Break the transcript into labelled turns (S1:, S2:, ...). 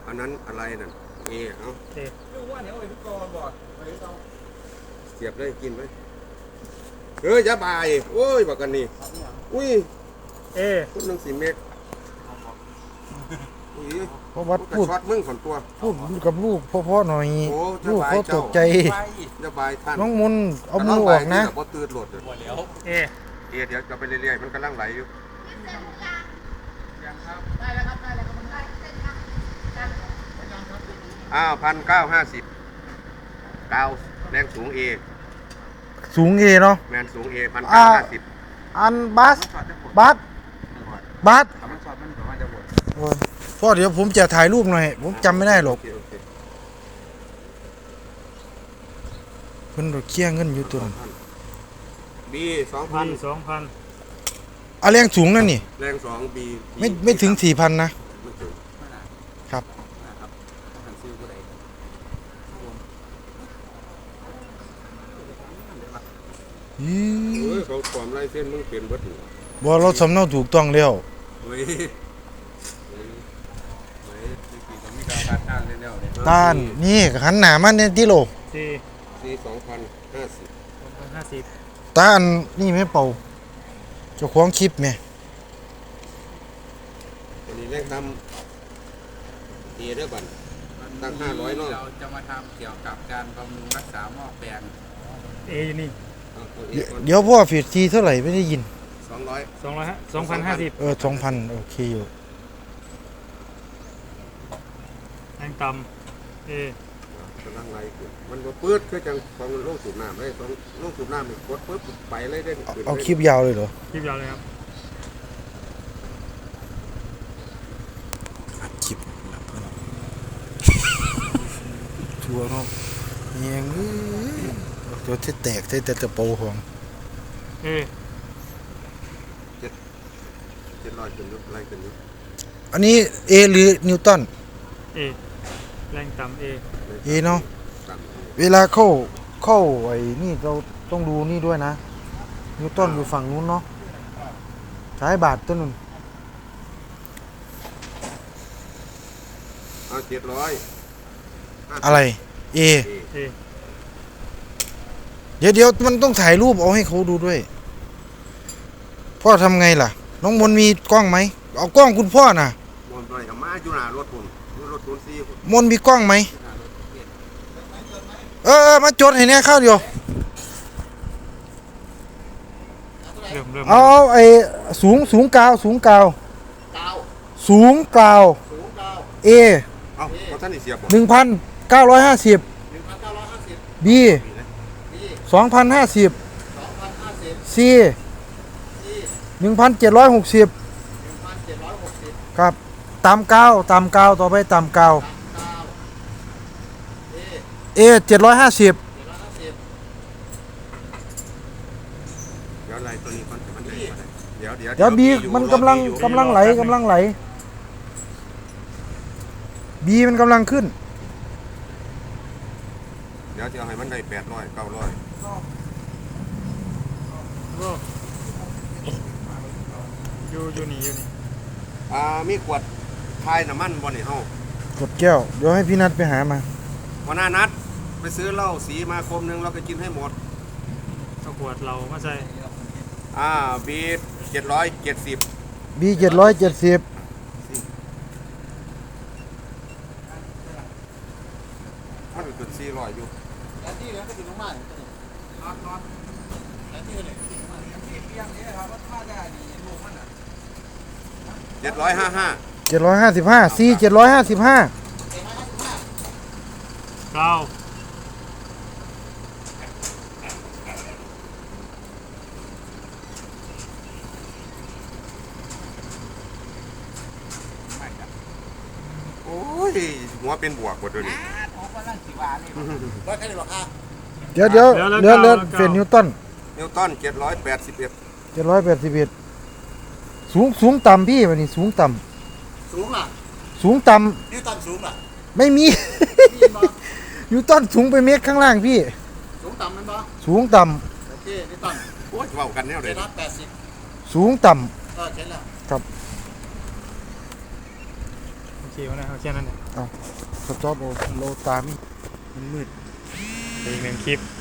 S1: อันนั้นอะไรนั่นเอเอาเสียบเลยกินไหมอย่าบายโอ้ยบอกกันนี่อุ้ยพูดหนึ่ง4 เมตร
S2: เพราะวัดพูด
S1: ช็อตมึงคนตัว
S2: พูดกับลูกพ่อหน่อยลูกเขาตกใจ
S1: อย่าบายท่าน
S2: น้องมุนเอามือออกนะ
S1: บ่ตื่นโหลดเดี๋ยวจะไปเรื่อยๆมันกำลังไหลอยู่ได้แล้วครับ1,950กาวแรงสูง
S2: สูงเนาะ
S1: แมนสูง1,950
S2: อันบัสพ่อเดี๋ยวผมจะถ่ายรูปหน่อยผมจำไม่ได้หรอกเพิ่นเคลียร์เงินอยู่ตัวนั้น
S1: บี2,000
S2: เอาแรงสูงนั่นนี่
S1: แรง2บี
S2: ไม่ถึง 4,000 นะครับ
S1: เขาความไล่เส้นมึงเปลี่ยนเบิด
S2: บ่เราสำเนาถูกต้องแล้วต้านนี่หันหน้ามาเนี่ยที่โล
S1: ซี2,050
S2: ต้านนี่ไม่เป่าเจ้าของคลิปแม่
S1: วันนี้แรงตั้มเด้อบั่นตั้ง500เนาะ
S3: เราจะมาทำเกี่ยวกับการบำรุงรักษาหม้อแปลง
S4: อยู่นี่
S2: เดี๋ยวพ่อฟีดทีเท่าไหร่ไม่ได้ยิน
S4: 250
S2: 2,000โอเคอยู่
S4: แรงต่ำ
S1: กำลังไหลมันก็ปื๊ดคือจังของโลกสูบน้ำเลยของโลกสูบน้ำมันกดปึ๊บไปเลยได้
S2: เอาคลิปยาวเลยเหรอ
S4: คลิปยาวเลยครับ
S2: อัดคลิปทัวร์เนาะเงี้ยเดี๋ยวที่แตกที่แต่ตะโปของ
S1: 700ขึ้นอะไรขึ้นนี้
S2: อันนี้เอหรือนิวตัน
S4: แรงต่ำ
S2: เนาะเวลาเข้าไอ้นี่เราต้องดูนี่ด้วยนะนิวตันอยู่ฝั่งนู้นเนาะใช้บาทต้นนึง
S1: 700
S2: อะไรเดี๋ยวมันต้องถ่ายรูปเอาให้เขาดูด้วยพ่อทำไงล่ะน้องมนมีกล้องไหมเอากล้องคุณพ่อน่ะ
S1: มนไปกับมาอยู่หน้ารถคุณ
S2: มนมีกล้องไหมมาจดให้เนี่ยข้าวเดียวเอาไอ้สูงกาวเอ1,950บี2,050C 1,760ครับตามกาวต่อไปตามกาวA 750
S1: เดี๋ยวอะไรตัวนี้มันเดี๋
S2: ยวบีมันกำลังไหลบีมันกำลังขึ้น
S1: เดี๋ยวจะให้มันได้800 900
S4: อยู่นี่
S1: มีขวดทายน้ำมันบ่นี่เฮาก
S2: ดแก้วเดี๋ยวให้พี่นัทไปหามา
S1: วันหน้านัดไปซื้อเหล้าสีมาคมนึงเราก็กินให้หมด
S4: ขวดเรามาใส่
S1: บี770
S2: บี770
S1: มันเป็น400อยู่แล้วที่เหลือก็อยู่ตรงบ้านน็อตแล้วที่เหลือที่เปียงนี่ครับว่าถ้าได้ดีลูกมัน
S2: 755 C 755
S4: เก้า
S1: โอ้ยหัวเป็นบวกหมดเลย
S2: เดี๋ยวเป็นนิวตัน781สูงต่ำพี่วันนี้สูงต่ำ
S3: สูงอ่ะ
S2: สูงต่
S3: ำนิวตันสูงอ่ะ
S2: ไม่มีนิวตันสูงไปเมตรข้างล่างพี่
S3: สูงต่ำมันบ่
S2: สูงต่ำ
S3: โอเคนิวตัน
S1: โอ้ยเว้ากันแนวเลย
S3: 80
S2: สูงต่ำ
S3: เห็นแล้ว
S2: ครับ
S4: ขี่มาได้เอาแค่นั้นเนี่ย
S2: สต็อปโอโลตามิมันมืด
S4: อีกหนึ่งคลิป